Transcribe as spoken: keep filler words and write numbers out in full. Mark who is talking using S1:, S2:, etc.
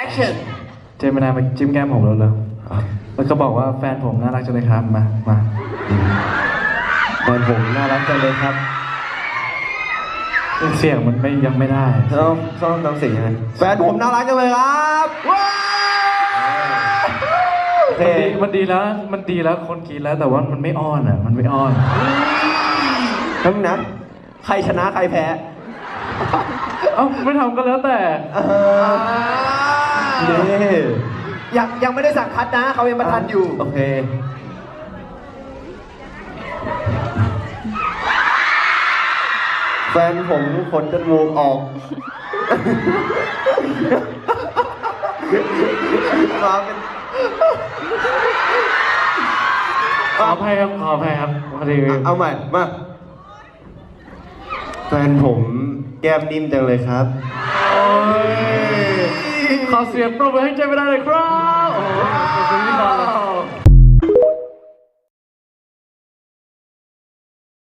S1: action
S2: เจมินายมาจิ้มแก้มผมแล้วเลยแล้วก็บอกว่าแฟนผมน่ารักจังเลยครับมามาแฟนผมน่ารักจังเลยครับเสียงมันไม่ยังไม่ได้
S3: ต้องต้องต้องเสียงยังไงแฟนผมน่ารักจังเลยครับว้าวโอเค
S2: มันดีแล้วมันดีแล้วคนกินแล้วแต่ว่ามันไม่อ้อนอ่ะมันไม่อ้อน
S3: ทั้งนั้นใครชนะใครแพ้
S2: เอ้าไม่ทำก็แล้วแต่
S3: นี่
S1: ยังยังไม่ได้สั่งคัดนะเขายังมาทันอยู่
S3: โอเคแฟนผมขนจมูกออกมาเป็น
S2: ขออภัยครับขออภัยครับพอดี
S3: เอาใหม่มาแฟนผมแก้มนิ่มจังเลยครับ
S2: โอ้ยขอเสียงปรบมือให้เจมินายเลยครับโอ้โหเป็นพิธีกร